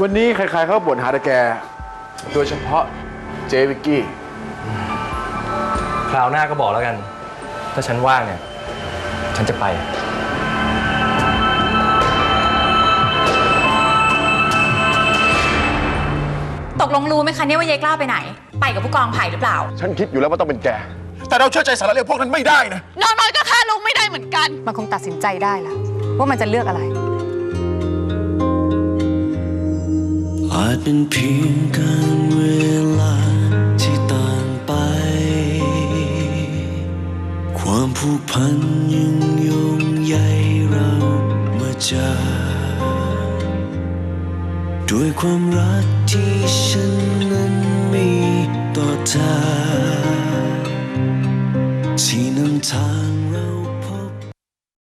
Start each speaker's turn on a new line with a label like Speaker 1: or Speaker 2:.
Speaker 1: วันนี้ใครๆเขาบ่นหาแต่แกโดยเฉพาะเจวิกกี้
Speaker 2: คราวหน้าก็บอกแล้วกันถ้าฉันว่างเนี่ยฉันจะไป
Speaker 3: ตกลงรู้ไหมคะเนี่ยว่ายายกล้าไปไหนไปกับผู้กองไผ่หรือเปล่า
Speaker 1: ฉันคิดอยู่แล้วว่าต้องเป็นแก
Speaker 4: แต่เราเชื่อใจสารเลวพวกนั้นไม่ได้นะ
Speaker 5: น้อยๆก็ฆ่าลุงไม่ได้เหมือนกัน
Speaker 6: มันคงตัดสินใจได้แล้วว่ามันจะเลือกอะไร
Speaker 7: อาจเป็นเพียงการเวลาที่ต่างไปความผูกพันยังโยงใยเรามาจากด้วยความรักที่ฉันนั้นมีต่อเธอที่นำทางเรา